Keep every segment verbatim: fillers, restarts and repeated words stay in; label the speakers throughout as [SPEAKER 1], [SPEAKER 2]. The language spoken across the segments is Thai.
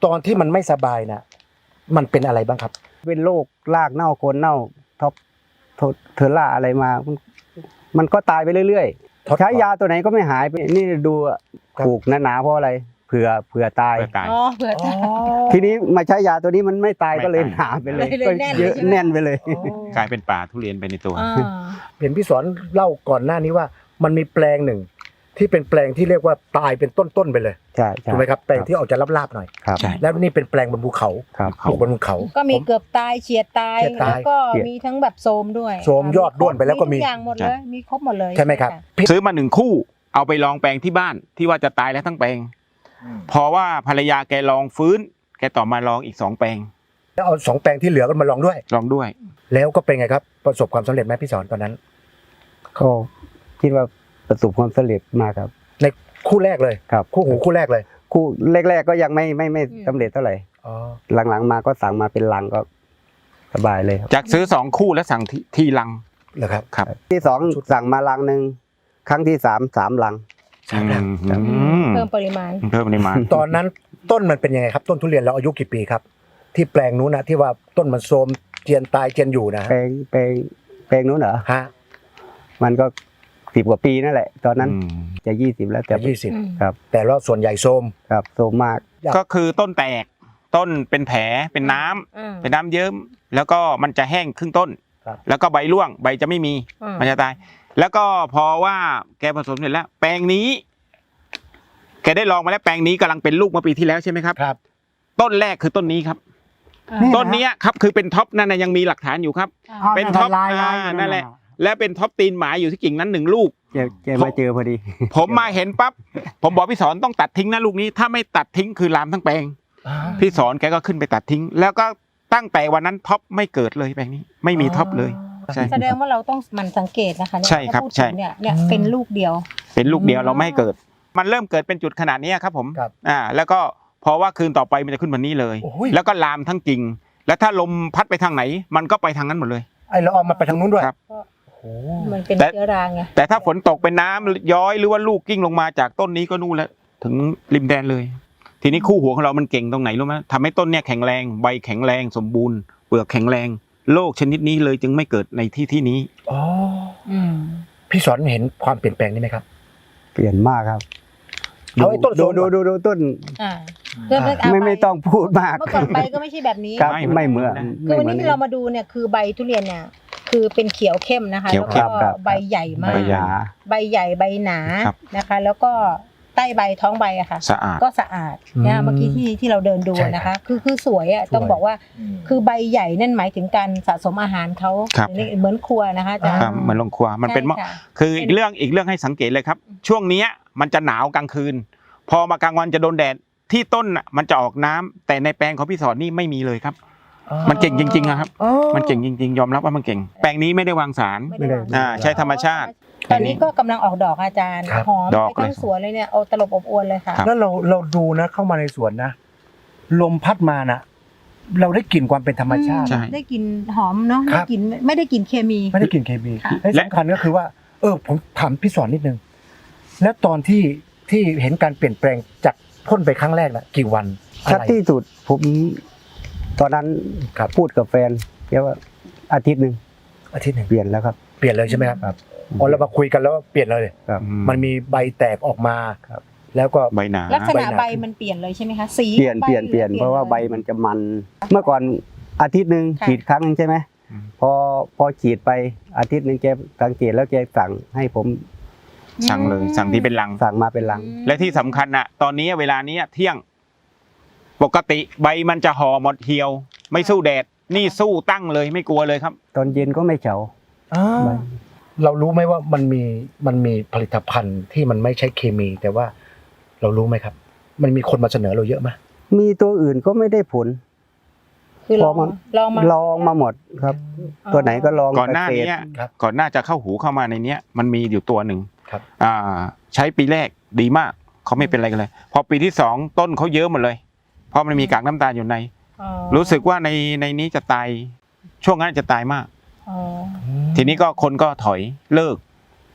[SPEAKER 1] ตอนที่มันไม่สบายนะมันเป็นอะไรบ้างครับ
[SPEAKER 2] เป็นโรครากเน่าโคนเน่าท็อปเทอร่าอะไรมา มันก็ตายไปเรื่อยๆใช้ยาตัวไหนก็ไม่หายไปนี่ดูปลูกหนาๆเพราะอะไรเผื่อเผื่อตาย
[SPEAKER 3] อ๋อเผื่อตาย
[SPEAKER 2] ทีนี้มาใช้ยาตัวนี้มันไม่ตายก็เลยหนาไปเลยก็เยอะแน่นไปเลย
[SPEAKER 4] กลายเป็นป่าทุเรียนไปในตัว
[SPEAKER 1] เห็นพี่สอนเล่าก่อนหน้านี้ว่ามันมีแปลงหนึ่งที่เป็นแปลงที่เรียกว่าตายเป็นต้นๆไปเลย
[SPEAKER 2] ใช่
[SPEAKER 1] ถูกไหมครับแปลงที่ออกจะลาบๆหน่อยแล้วนี่เป็นแปลงบนภูเขาปลูกบนภูเขา
[SPEAKER 3] ก็มีเกือบตายเฉียดตายแล้วก็มีทั้งแบบโทมด้วย
[SPEAKER 1] โทมยอดด้วนไปแล้วก็มี
[SPEAKER 3] ทุกอย่างหมดเลยมีครบหมดเลย
[SPEAKER 1] ใช่ไหมครับ
[SPEAKER 4] ซื้อมาหนึ่งคู่เอาไปลองแปลงที่บ้านที่ว่าจะตายแล้วทั้งแปลงเพราะว่าภรรยาแกลองฟื้นแกต่อมาลองอีกสองแปลง
[SPEAKER 1] แล้วเอาสองแปลงที่เหลือกันมาลองด้วย
[SPEAKER 4] ลองด้วย
[SPEAKER 1] แล้วก็เป็นไงครับประสบความสำเร็จไหมพี่สอนตอนนั้น
[SPEAKER 2] ก็คิดว่าประสบความสำเร็จมากครับ
[SPEAKER 1] ในคู่แรกเลย
[SPEAKER 2] ครับ
[SPEAKER 1] คู่หูคู่แรกเลย
[SPEAKER 2] คู่แรกๆก็ยังไม่ไม่ไม่สำเร็จเท่าไหร่หลังๆมาก็สั่งมาเป็นลังก็สบายเลยครับ
[SPEAKER 4] จากซื้อสองคู่แล้วสั่งทีลัง
[SPEAKER 1] เหรอครับ
[SPEAKER 4] ครับ
[SPEAKER 2] ที่สองสั่งมาลังหนึ่งครั้งที่สามสามลัง
[SPEAKER 3] เพิ่มปริมาณ
[SPEAKER 4] เพิ่มปริมาณ
[SPEAKER 1] ตอนนั้นต้นมันเป็นยังไงครับต้นทุเรียนเราอายุกี่ปีครับที่แปลงนู้นนะที่ว่าต้นมันโทรมเจียนตายเจียนอยู่นะ
[SPEAKER 2] แปลงแปลงแปลงนู้นเหรอ
[SPEAKER 1] ฮะ
[SPEAKER 2] มันก็สิบกว่าปีนั่นแหละตอนนั้นจะยี่สิบแล้วแต่
[SPEAKER 1] ยี่สิบ
[SPEAKER 2] ครับ
[SPEAKER 1] แต่ว่าส่วนใหญ่โทรม
[SPEAKER 2] ครับโทรมมาก
[SPEAKER 4] ก็คือต้นแตกต้นเป็นแผลเป็นน้ำเป็นน้ำเยิ้มแล้วก็มันจะแห้งครึ่งต้นแล้วก็ใบร่วงใบจะไม่มีมันจะตายแล้วก็พอว่าแกผสมเสร็จแล้วแปลงนี้แกได้ลองมาแล้วแปลงนี้กำลังเป็นลูกเมื่อปีที่แล้วใช่ไหมครับ
[SPEAKER 1] ครับ
[SPEAKER 4] ต้นแรกคือต้นนี้ครับต้นนี้ครับคือเป็นท็อปนั่นนะยังมีหลักฐานอยู่ครับเป็นท็อปนั่นแหละและเป็นท็อปตีนหมาอยู่ที่กิ่งนั้นหนึ่งลูก
[SPEAKER 2] เจอมาเจอพอดี
[SPEAKER 4] ผมมาเห็นปั๊บผมบอกพี่สอนต้องตัดทิ้งนะลูกนี้ถ้าไม่ตัดทิ้งคือลามทั้งแปลงพี่สอนแกก็ขึ้นไปตัดทิ้งแล้วก็ตั้งแต่วันนั้นท็อปไม่เกิดเลยแปลงนี้ไม่มีท็อปเลย
[SPEAKER 3] แสดงว่าเราต้องมันสังเกตนะคะเนี่ย
[SPEAKER 4] ใช่ครับใช่
[SPEAKER 3] เนี่ยเนี่ยเป็นลูกเดียว
[SPEAKER 4] เป็นลูกเดียวเราไม่ให้เกิดมันเริ่มเกิดเป็นจุดขนาดนี้ครับผมอ่าแล้วก็พอว่าคืนต่อไปมันจะขึ้นแบบนี้เลยแล้วก็ลามทั้งกิ่งแล้วถ้าลมพัดไปทางไหนมันก็ไปทางนั้นหมดเลย
[SPEAKER 1] ไอ้เราเอามาไปทางนู้นด้วย
[SPEAKER 3] มันเป็นเชื้อราไง
[SPEAKER 4] แต่ถ้าฝนตกเป็นน้ำย้อยหรือว่าลูกกิ้งลงมาจากต้นนี้ก็นู่นแล้วถึงริมแดนเลยทีนี้คู่หัวของเรามันเก่งตรงไหนรู้ไหมทำให้ต้นเนี่ยแข็งแรงใบแข็งแรงสมบูรณ์เปลือกแข็งแรงโรคชนิดนี้เลยจึงไม่เกิดในที่ที่นี้
[SPEAKER 1] อ๋อพี่สอนเห็นความเปลี่ยนแปลงนี้ไหมครับ
[SPEAKER 2] เปลี่ยนมากครับ
[SPEAKER 1] เอาไอ้ต้น
[SPEAKER 2] ดูดูดูดูต้นไม่ไม่ต้องพูดมาก
[SPEAKER 3] เมื่อก่อนใบก็ไม่ใช่แบบนี้
[SPEAKER 2] ไม่เหมือน
[SPEAKER 3] คือวันนี้ที่เรามาดูเนี่ยคือใบทุเรียนเนี่ยคือเป็นเขียวเข้มนะคะแล้วก็ใบใหญ่มากใบใหญ่ใบหนานะคะแล้วก็ใต้ใบท้องใบอะค่ะก็สะอาดนะเมื่อกี้ที่ที่เราเดินดูนะคะคือคือสวยอะต้องบอกว่าคือใบใหญ่นั่นหมายถึงการสะสมอาหารเขาเหมือนครัวนะคะอาจารย์
[SPEAKER 4] เหมือนโรงครัวมันเป็นคืออีกเรื่องอีกเรื่องให้สังเกตเลยครับช่วงนี้มันจะหนาวกลางคืนพอมากลางวันจะโดนแดดที่ต้นมันจะออกน้ำแต่ในแปลงของพี่สอนนี่ไม่มีเลยครับมันเก่งจริงๆนะครับมันเก่งจริงๆยอมรับว่ามันเก่งแปลงนี้ไม่ได้วางสารอ่าใช้ธรรมชาติ
[SPEAKER 3] ตอนนี้ก็กำลังออกดอกอาจารย์หอมไปทั้งสวนเลยเนี่ยเอาตลบอบอวนเลยค่ะ
[SPEAKER 1] แล้วเราเราดูนะเข้ามาในสวนนะลมพัดมานะเราได้กลิ่นความเป็นธรรมชาติ
[SPEAKER 3] ได้กลิ่นหอมเนาะได้กลิ่นไม่ได้กลิ่นเคมี
[SPEAKER 1] ไม่ได้กลิ่นเคมีและสำคัญก็คือว่าเออผมถามพี่สอนนิดนึงแล้วตอนที่ที่เห็นการเปลี่ยนแปลงจากพ่นไปครั้งแรกนะกี่วัน
[SPEAKER 2] ชัดที่สุดผมตอนนั้นพูดกับแฟนแกว่าอาทิตย์หนึ่ง
[SPEAKER 1] อาทิตย์หนึ่ง
[SPEAKER 2] เปลี่ยนแล้วครับ
[SPEAKER 1] เปลี่ยนเลยใช่ไหมครับอ๋อเรามาคุยกันแล้วเปลี่ยนเลยมันมีใบแตกออกมาแล้วก็
[SPEAKER 4] ใบหนา
[SPEAKER 3] ลักษณะใบมันเปลี่ยนเลยใช่ไหมคะสี
[SPEAKER 2] เปลี่ยนเปลี่ยนเปลี่ยนเพราะว่าใบมันจะมันเมื่อก่อนอาทิตย์หนึ่งฉีดครั้งนึงใช่ไหมพอพอฉีดไปอาทิตย์หนึ่งแกสังเกตแล้วแกสั่งให้ผม
[SPEAKER 4] สั่งเลยสั่งที่เป็นลัง
[SPEAKER 2] สั่งมาเป็นลัง
[SPEAKER 4] และที่สำคัญน่ะตอนนี้เวลานี้เที่ยงปกติใบมันจะห่อหมดเหี่ยวไม่สู้แดดนี่สู้ตั้งเลยไม่กลัวเลยครับ
[SPEAKER 2] ตอนเย็นก็ไม่เฉา
[SPEAKER 1] เรารู้ไหมว่ามันมีมันมีผลิตภัณฑ์ที่มันไม่ใช่เคมีแต่ว่าเรารู้ไหมครับมันมีคนมาเสนอเราเยอะไหม
[SPEAKER 2] มีตัวอื่นก็ไม่ได้ผล
[SPEAKER 3] คือลองลองมา
[SPEAKER 2] ลองมาหมดครับตัวไหนก็ลอง
[SPEAKER 4] ก่อนหน้านี้ก่อนหน้าจะเข้าหูเข้ามาในเนี้ยมันมีอยู่ตัวหนึ่งใช้ปีแรกดีมากเขาไม่เป็นอะไรกันเลยพอปีที่สองต้นเขาเยอะหมดเลยเพราะมันมีกากน้ำตาลอยู่ในรู้สึกว่าในในนี้จะตายช่วงนั้นจะตายมากทีนี้ก็คนก็ถอยเลิก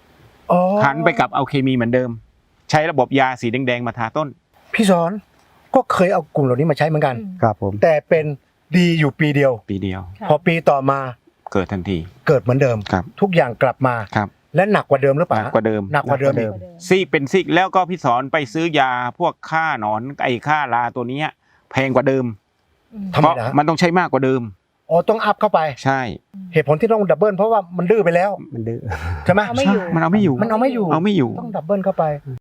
[SPEAKER 4] หันไปกับเอาเคมีเหมือนเดิมใช้ระบบยาสีแดงๆมาทาต้น
[SPEAKER 1] พี่สอนก็เคยเอากลุ่มเหล่านี้มาใช้เหมือนกัน
[SPEAKER 3] อืม
[SPEAKER 2] ครับผม
[SPEAKER 1] แต่เป็นดีอยู่ปีเดียว
[SPEAKER 4] ปีเดียว
[SPEAKER 3] ค่ะ
[SPEAKER 1] พอปีต่อมา
[SPEAKER 4] เกิดทันที
[SPEAKER 1] เกิดเหมือนเดิม
[SPEAKER 4] ครับ
[SPEAKER 1] ทุกอย่างกลับมา
[SPEAKER 4] ครับ
[SPEAKER 1] และหนักกว่าเดิมหรือเป
[SPEAKER 4] ห
[SPEAKER 1] ล่า
[SPEAKER 4] นักกว่าเดิม
[SPEAKER 1] หนักกว่าเดิม
[SPEAKER 2] หนั
[SPEAKER 1] อี
[SPEAKER 2] ก
[SPEAKER 1] ก
[SPEAKER 2] กว่าเดิม
[SPEAKER 4] ซีกเป็นซีกแล้วก็พี่สอนไปซื้อยาพวกค่าหนอนไอ้ค่าราตัวเนี้ยแพงกว่าเดิม
[SPEAKER 3] อืม
[SPEAKER 1] ทำไม
[SPEAKER 4] เพราะ
[SPEAKER 1] นะ
[SPEAKER 4] มันต้องใช้มากกว่าเดิม
[SPEAKER 1] อ๋อต้องอัพเข้าไป
[SPEAKER 4] ใช่
[SPEAKER 1] เหตุผลที่ต้องดับเบิลเพราะว่ามันดื้อไปแล้ว
[SPEAKER 2] มันดื้อ
[SPEAKER 1] ใช่ไหม
[SPEAKER 3] เอาไม่อยู่
[SPEAKER 4] มันเอาไม่อยู่
[SPEAKER 1] มันเอาไม่อยู่
[SPEAKER 4] เอาไม่อยู่
[SPEAKER 1] ต้องดับเบิลเข้าไป